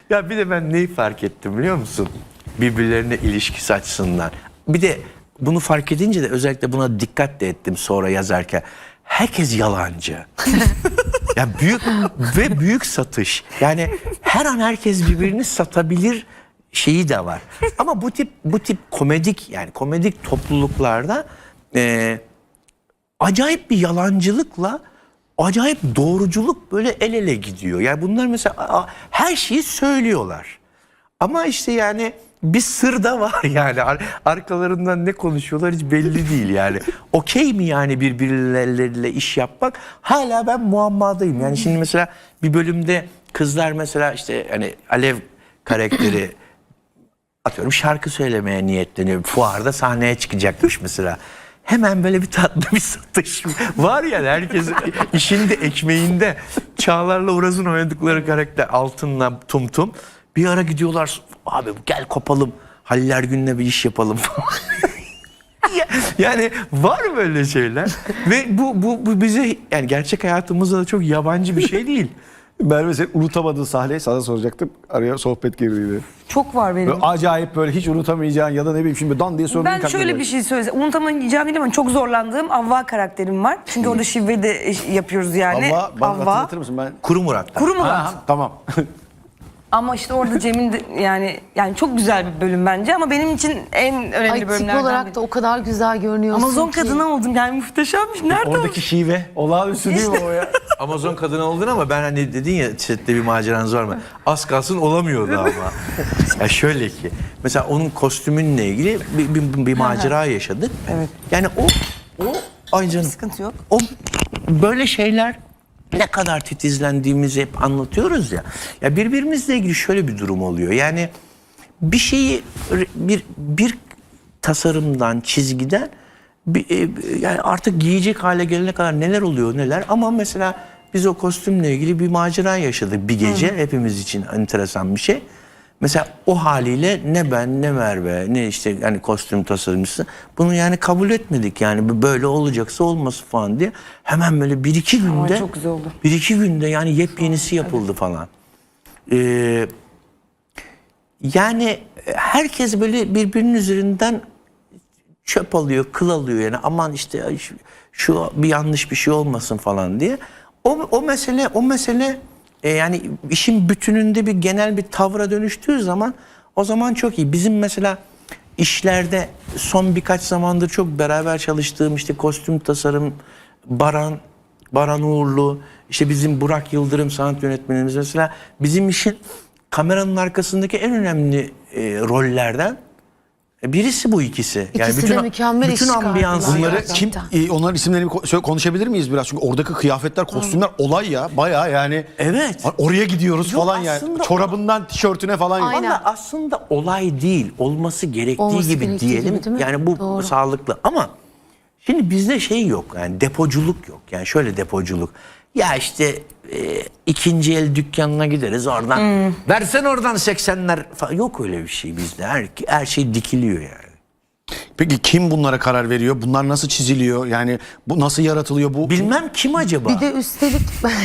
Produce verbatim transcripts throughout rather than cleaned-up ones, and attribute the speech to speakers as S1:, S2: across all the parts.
S1: Ya bir de ben neyi fark ettim biliyor musun? Birbirlerine ilişkisi açısından. Bir de bunu fark edince de özellikle buna dikkat de ettim sonra yazarken. Herkes yalancı. Ya büyük ve büyük satış. Yani her an herkes birbirini satabilir şeyi de var. Ama bu tip bu tip komedik yani komedik topluluklarda e, acayip bir yalancılıkla acayip doğruculuk böyle el ele gidiyor. Yani bunlar mesela a, her şeyi söylüyorlar. Ama işte yani bir sır da var yani. Ar arkalarından ne konuşuyorlar hiç belli değil yani. Okey mi yani birbirleriyle iş yapmak? Hala ben muammadayım. Yani şimdi mesela bir bölümde kızlar mesela işte hani Alev karakteri atıyorum şarkı söylemeye niyetleniyor. Fuarda sahneye çıkacakmış mesela. Hemen böyle bir tatlı bir satış var ya herkes işinde ekmeğinde. Çağlar'la Uraz'ın oynadıkları karakter Altın'la Tum Tum. Bir ara gidiyorlar abi gel kopalım Halil Ergün'le bir iş yapalım falan. Yani var böyle şeyler ve bu, bu, bu bize yani gerçek hayatımızda da çok yabancı bir şey değil.
S2: Ben mesela unutamadığın sahneyi sana soracaktım. Araya sohbet girdi.
S3: Çok var benim.
S2: Böyle acayip böyle hiç unutamayacağın ya da ne bileyim şimdi dan diye sorduğun
S3: Ben şöyle bir şey söylesem. Unutamayacağım değil ama çok zorlandığım Avva karakterim var. Çünkü orada şivve de yapıyoruz yani.
S2: Avva, bana hatırlatır mısın? Ben...
S1: Kuru Murat.
S3: Kuru Murat.
S2: Ha, tamam.
S3: Ama işte orada Cem'in de, yani yani çok güzel bir bölüm bence ama benim için en önemli
S4: Ay, tip
S3: bölümlerden
S4: olarak
S3: biri.
S4: da o kadar güzel görünüyorsun
S3: Amazon
S4: ki.
S3: kadını oldum yani muhteşemmiş. Nerede
S2: Oradaki şive. Olağanüstü değil mi o ya?
S1: Amazon kadını oldun ama ben hani dedin ya sette bir maceranız var mı? Az kalsın olamıyordu ama. Ya şöyle ki mesela onun kostümünle ilgili bir, bir, bir macera yaşadık.
S3: Evet.
S1: Yani o o ay canım.
S3: Sıkıntı yok.
S1: O böyle şeyler ne kadar titizlendiğimizi hep anlatıyoruz ya. Ya birbirimizle ilgili şöyle bir durum oluyor. Yani bir şeyi bir bir tasarımdan, çizgiden bir, e, yani artık giyecek hale gelene kadar neler oluyor neler ama mesela biz o kostümle ilgili bir macera yaşadık bir gece. Hı. Hepimiz için enteresan bir şey. Mesela o haliyle ne ben ne Merve ne işte yani kostüm tasarımcısı bunu yani kabul etmedik yani böyle olacaksa olması falan diye hemen böyle bir iki günde
S3: çok güzel oldu.
S1: bir iki günde yani yepyenisi yapıldı evet. falan. Ee, yani herkes böyle birbirinin üzerinden çöp alıyor, kıl alıyor yani aman işte şu bir yanlış bir şey olmasın falan diye. O, o mesele o mesele e, yani işin bütününde bir genel bir tavra dönüştüğü zaman o zaman çok iyi. Bizim mesela işlerde son birkaç zamandır çok beraber çalıştığım işte kostüm tasarım Baran Baran Uğurlu işte bizim Burak Yıldırım sanat yönetmenimiz mesela bizim işin kameranın arkasındaki en önemli e, rollerden birisi bu ikisi. Yani
S4: İkisi
S1: bütün,
S4: de mükemmel
S1: bütün
S4: iş
S1: ambiyans.
S4: çıkardılar.
S2: Bunları
S4: Gerçekten.
S2: kim, e, onların isimlerini ko- konuşabilir miyiz biraz? Çünkü oradaki kıyafetler, kostümler olay ya. Bayağı yani.
S1: Evet.
S2: Oraya gidiyoruz
S1: Yok,
S2: falan yani.
S1: aslında-
S2: Çorabından tişörtüne falan.
S4: Aynen.
S1: Ama aslında olay değil, olması gerektiği
S4: Olması
S1: gibi
S4: gerektiği
S1: diyelim.
S4: gibi değil mi?
S1: Yani bu
S4: Doğru.
S1: sağlıklı. Ama şimdi bizde şey yok, yani depoculuk yok. Yani şöyle depoculuk. Ya işte e, ikinci el dükkanına gideriz oradan. Hmm. Versen oradan seksenler falan. Yok öyle bir şey bizde. Her, her şey dikiliyor yani.
S2: Peki kim bunlara karar veriyor? Bunlar nasıl çiziliyor? Yani bu nasıl yaratılıyor bu?
S1: Bilmem kim acaba?
S4: Bir de üstelik...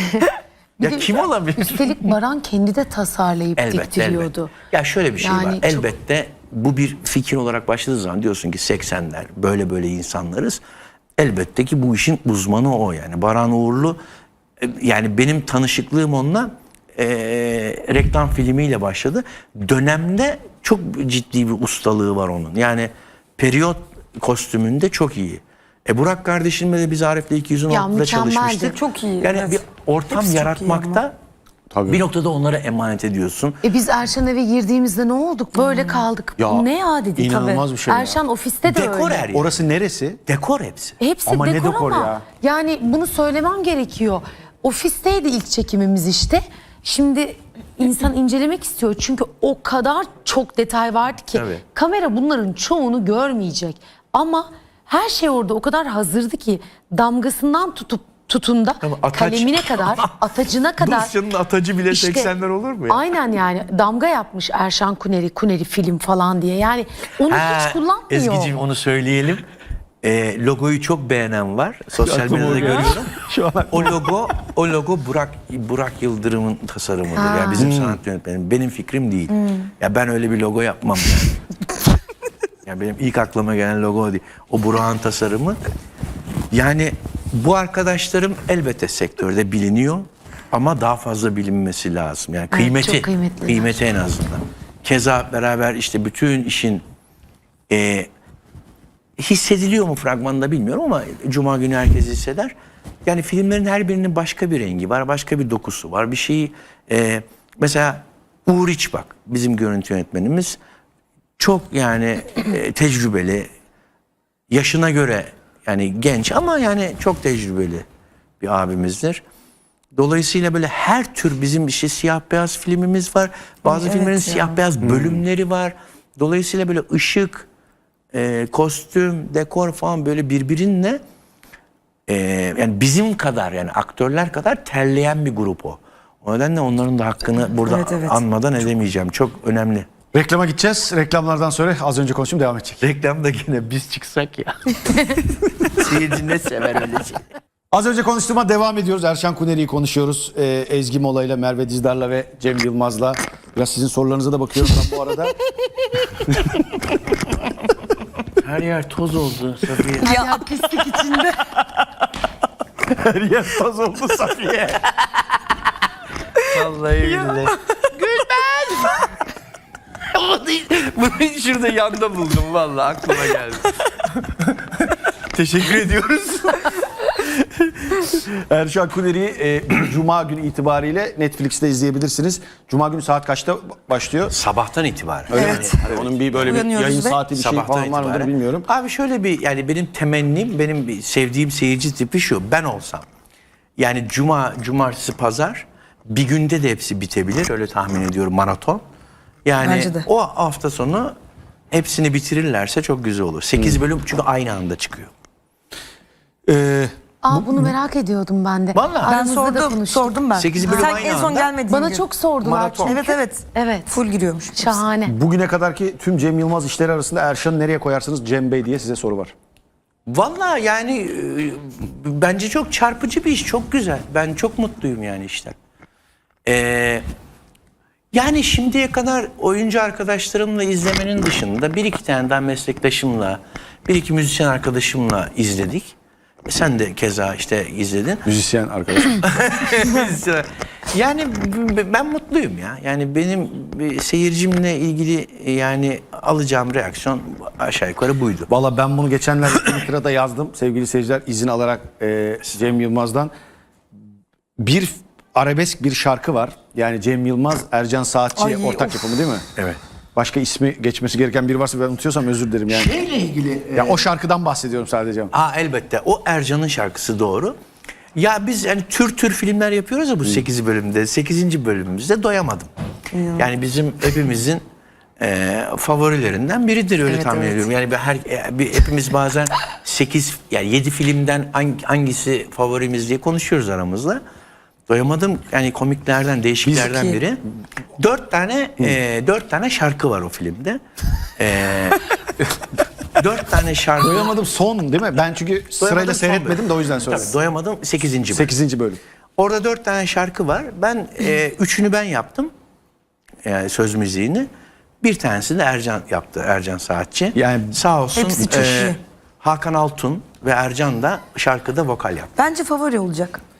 S4: bir
S1: ya
S4: de
S1: kim olabilir?
S4: Üstelik Baran kendi de tasarlayıp
S1: Elbette,
S4: diktiriyordu.
S1: elbette. Ya şöyle bir şey
S4: Yani
S1: var.
S4: çok-
S1: Elbette bu bir fikir olarak başladığı zaman diyorsun ki seksenler böyle böyle insanlarız. Elbette ki bu işin uzmanı o yani. Baran Uğurlu e, yani benim tanışıklığım onunla e, reklam filmiyle başladı. Dönemde çok ciddi bir ustalığı var onun. Yani periyot kostümünde çok iyi. E Burak kardeşimle de biz Arif'le iki yüz on altıda
S4: mükemmeldi.
S1: çalışmıştık.
S3: Çok iyi,
S1: Yani
S3: evet.
S1: bir ortam
S3: Hepsi çok iyi
S1: yaratmakta
S2: Tabii.
S1: bir noktada onlara emanet ediyorsun.
S4: E biz Erşan eve girdiğimizde ne olduk? Böyle kaldık.
S2: Ya,
S4: Bu ne ya dedik.
S2: inanılmaz bir şey ya.
S4: Erşan ofiste de
S1: Dekor
S4: öyle.
S1: her yer.
S2: Orası neresi?
S1: Dekor hepsi.
S4: Hepsi
S2: Ama ne
S4: dekor,
S2: dekor
S4: ama
S2: ya?
S4: yani bunu söylemem gerekiyor. Ofisteydi ilk çekimimiz işte. Şimdi insan incelemek istiyor çünkü o kadar çok detay vardı ki
S1: Tabii.
S4: kamera bunların çoğunu görmeyecek. Ama her şey orada o kadar hazırdı ki damgasından tutup tutunda
S1: Ama ataç-
S4: kalemine kadar, atacına kadar.
S1: Dosyanın atacı bile
S4: İşte,
S1: seksenler olur mu ya?
S4: Aynen yani damga yapmış Erşan Kuneri, Kuneri film falan diye. Yani onu
S1: Ha,
S4: hiç kullanmıyor.
S1: Ezgi'cim onu söyleyelim. e, logoyu çok beğenen var. Sosyal
S2: Aklıma
S1: medyada
S2: o geldi.
S1: görüyorum.
S2: Şu an
S1: O logo, o logo Burak Burak Yıldırım'ın tasarımıdır. Yani bizim sanat yönetmenim. Benim fikrim değil. Ya ben öyle bir logo yapmam yani. Yani benim ilk aklıma gelen logo o değil. O Burak'ın tasarımı. Yani bu arkadaşlarım elbette sektörde biliniyor ama daha fazla bilinmesi lazım. Yani kıymeti,
S4: çok kıymetliler.
S1: kıymeti en azından. Keza beraber işte bütün işin e, hissediliyor mu fragmanda bilmiyorum ama Cuma günü herkes hisseder. Yani filmlerin her birinin başka bir rengi var, başka bir dokusu var. Bir şeyi e, mesela Uğur İçbak bizim görüntü yönetmenimiz çok yani e, tecrübeli, yaşına göre yani genç ama yani çok tecrübeli bir abimizdir. Dolayısıyla böyle her tür bizim işte siyah beyaz filmimiz var. Bazı
S3: Evet
S1: filmlerin
S3: ya.
S1: siyah beyaz bölümleri var. Dolayısıyla böyle ışık, e, kostüm, dekor falan böyle birbirine e, yani bizim kadar yani aktörler kadar terleyen bir grup o. O nedenle onların da hakkını burada
S3: Evet, evet.
S1: anmadan edemeyeceğim. Çok önemli.
S2: reklama gideceğiz. Reklamlardan sonra az önce konuştum devam edecek.
S1: Reklamda yine biz çıksak ya. Seyirci ne sever öyle şey.
S2: Az önce konuştuğuma devam ediyoruz. Erşan Kuneri'yi konuşuyoruz. Ee, Ezgi Mola'yla, Merve Dizdar'la ve Cem Yılmaz'la. Biraz sizin sorularınıza da bakıyorum ben bu arada.
S1: Her yer toz oldu Safiye.
S4: Ya pislik içinde.
S2: Her yer toz oldu Safiye.
S1: Vallahi billahi. Gülben! Bunu şurada yanda buldum vallahi aklıma geldi. Teşekkür ediyoruz.
S2: Erşan Kuneri'yi e, Cuma günü itibariyle Netflix'te izleyebilirsiniz. Cuma günü saat kaçta başlıyor?
S1: Sabahtan itibaren.
S2: Öyle
S3: Evet.
S2: mi? Hani onun bir böyle bir
S3: Uyanıyoruz
S2: yayın
S3: ve
S2: saati bir şey
S1: Sabahtan
S2: falan var mıdır
S1: itibaren.
S2: bilmiyorum.
S1: Abi şöyle bir yani benim temennim, benim bir sevdiğim seyirci tipi şu. Ben olsam yani cuma, cumartesi, pazar bir günde de hepsi bitebilir. Öyle tahmin ediyorum maraton. Yani
S3: Bence de.
S1: o hafta sonu hepsini bitirirlerse çok güzel olur. sekiz bölüm çünkü aynı anda çıkıyor.
S2: Ee,
S4: Aa bunu merak ediyordum ben de.
S1: Vallahi.
S3: Ben
S4: Aramızda da
S3: sordum,
S4: konuştuk.
S3: sordum ben.
S1: Sekiz bölüm
S3: Sen
S1: aynı
S3: en son
S1: anda.
S3: gelmediğin
S4: Bana
S3: gün.
S4: çok sordular
S2: Maraton.
S4: çünkü.
S3: Evet evet.
S4: Evet.
S3: Full giriyormuş.
S4: Şahane.
S2: bugüne kadarki tüm Cem Yılmaz işleri arasında Erşan'ı nereye koyarsınız Cem Bey diye size soru var.
S1: Vallahi yani e, bence çok çarpıcı bir iş, çok güzel. Ben çok mutluyum yani işten. Ee, yani şimdiye kadar oyuncu arkadaşlarımla izlemenin dışında bir iki tane daha meslektaşımla, bir iki müzisyen arkadaşımla izledik. E, Sen de keza işte izledin.
S2: Müzisyen arkadaş.
S1: Yani b- ben mutluyum ya. Yani benim bir seyircimle ilgili yani alacağım reaksiyon aşağı yukarı buydu.
S2: Valla ben bunu geçenlerde Twitter'da yazdım sevgili seyirciler izin alarak e, Cem Yılmaz'dan. Bir arabesk bir şarkı var. Yani Cem Yılmaz, Ercan Saatçi
S3: Ay,
S2: ortak
S3: of.
S2: yapımı değil mi?
S1: Evet.
S2: Başka ismi geçmesi gereken biri varsa ben unutuyorsam özür dilerim yani.
S1: Şeyle ilgili
S2: Ya o şarkıdan bahsediyorum sadece.
S1: Aa elbette. O Ercan'ın şarkısı doğru. Ya biz yani tür tür filmler yapıyoruz ya bu sekiz bölümde. sekizinci bölümümüzde doyamadım. Yani bizim hepimizin e, favorilerinden biridir öyle
S3: Evet,
S1: tahmin
S3: evet.
S1: ediyorum. Yani bir her e, bir, hepimiz bazen sekiz yani yedi filmden hangi, hangisi favorimiz diye konuşuyoruz aramızda. Doyamadım yani komiklerden, değişiklerden
S3: Biz-
S1: biri. Dört tane e, dört tane şarkı var o filmde. E, dört tane şarkı.
S2: Doyamadım son değil mi? Ben çünkü sırayla
S1: Doyamadım son
S2: seyretmedim
S1: bölüm.
S2: de o yüzden söyledim.
S1: Tabii doyamadım sekizinci bölüm.
S2: sekizinci bölüm.
S1: Orada dört tane şarkı var. Ben e, üçünü ben yaptım. Yani söz müziğini. Bir tanesi de Ercan yaptı. Ercan Saatçi.
S2: Yani
S1: sağ olsun.
S3: Hepsi çok iyi.
S1: Hakan Altun ve Ercan da şarkıda vokal yaptı.
S3: Bence favori olacak.